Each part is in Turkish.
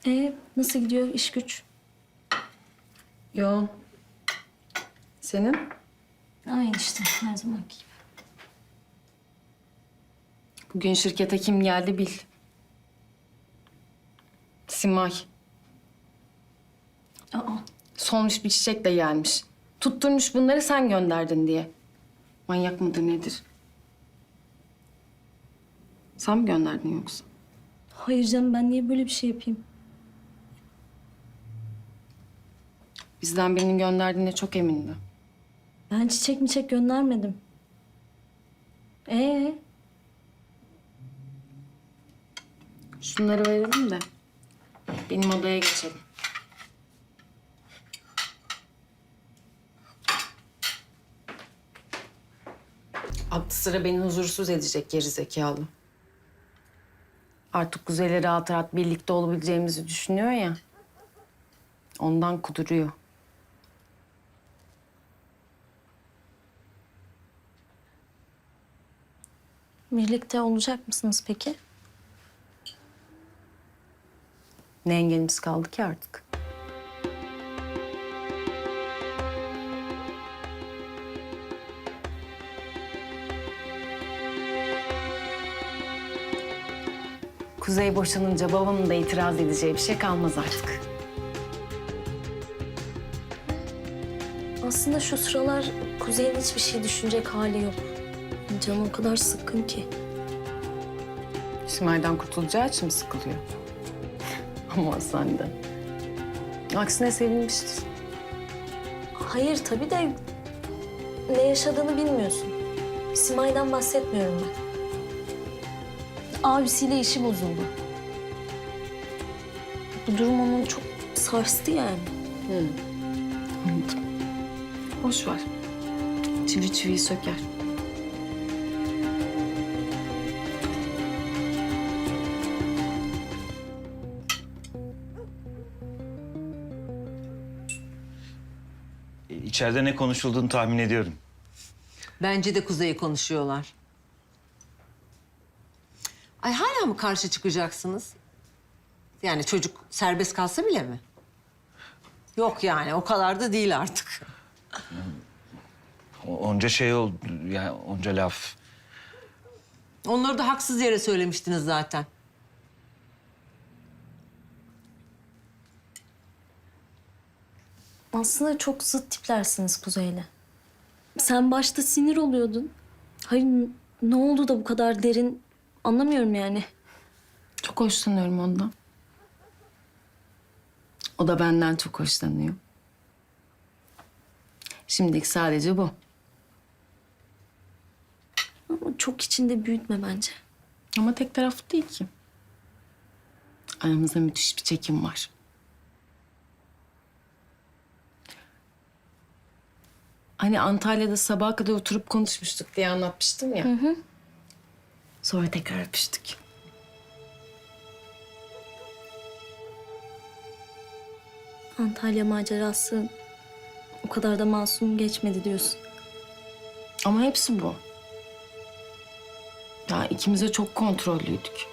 Nasıl gidiyor iş güç? Yo. Senin? Aynı işte her zamanki gibi. Bugün şirkete kim geldi bil. Simay. Aa, Solmuş bir çiçekle gelmiş. Tutturmuş bunları sen gönderdin diye. Manyak mıdır nedir? Sen mi gönderdin yoksa? hayır canım, ben niye böyle bir şey yapayım? Bizden birinin gönderdiğine çok emindi. Ben çiçek göndermedim. Şunları verelim de benim odaya geçelim. Aklı sıra beni huzursuz edecek gerizekalı. Artık Kuzey'le rahat rahat birlikte olabileceğimizi düşünüyor ya. Ondan kuduruyor. Birlikte olacak mısınız peki? Ne engelimiz kaldı ki artık? Kuzey boşanınca babamın da itiraz edeceği bir şey kalmaz artık. Aslında şu sıralar Kuzey'in hiçbir şey düşünecek hali yok. Canı o kadar sıkkın ki. Simay'dan kurtulacağı için mi sıkılıyor? Ama senden. Aksine sevinmiştir. Hayır tabii de ne yaşadığını bilmiyorsun. Simay'dan bahsetmiyorum ben. Abisiyle işi bozuldu. Bu durum onu çok sarstı yani. Anladım. Boş ver. Çivi çiviyi söker. İçeride ne konuşulduğunu tahmin ediyorum. Bence de Kuzey'i konuşuyorlar. Ay hala mı karşı çıkacaksınız? Yani çocuk serbest kalsa bile mi? Yok yani o kadar da değil artık. Onca şey oldu, yani onca laf. Onları da haksız yere söylemiştiniz zaten. Aslında çok zıt tiplersiniz Kuzey'le. Sen başta sinir oluyordun. Hayır, ne oldu da bu kadar derin anlamıyorum yani. Çok hoşlanıyorum ondan. O da benden çok hoşlanıyor. Şimdilik sadece bu. Ama çok içinde büyütme bence. Ama tek taraflı değil ki. Aramızda müthiş bir çekim var. Hani Antalya'da sabaha kadar oturup konuşmuştuk diye anlatmıştım ya. Sonra tekrar öpüştük. Antalya macerası o kadar da masum geçmedi diyorsun. Ama hepsi bu. Ya ikimiz de çok kontrollüydük.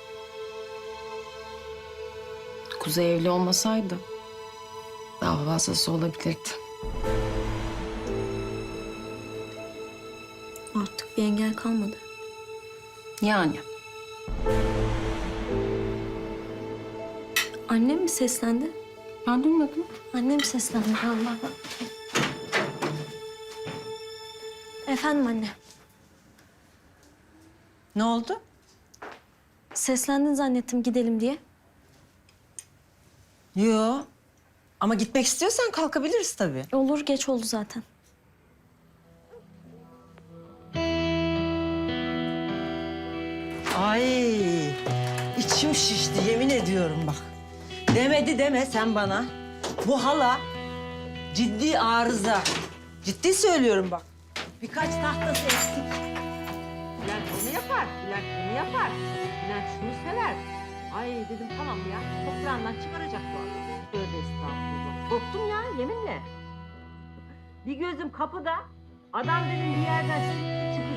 Kuzey evli olmasaydı daha fazlası olabilirdi. Artık bir engel kalmadı. Yani. Annem mi seslendi? Ben duymadım. Annem seslendi Allah. Efendim anne. Ne oldu? Seslendin zannettim gidelim diye. Yo. Ama gitmek istiyorsan kalkabiliriz tabii. Olur, geç oldu zaten. Ay içim şişti yemin ediyorum bak. Demedi deme sen bana. Bu hala ciddi arıza. Ciddi söylüyorum bak. Birkaç tahtası eksik. Bülent onu yapar, Bülent bunu yapar. Bülent şunu sever. Ay dedim tamam ya, toprağından çıkaracak bu adam. Tövbe estağfurullah. Korktum ya yeminle. Bir gözüm kapıda, adam dedim bir yerden çıktı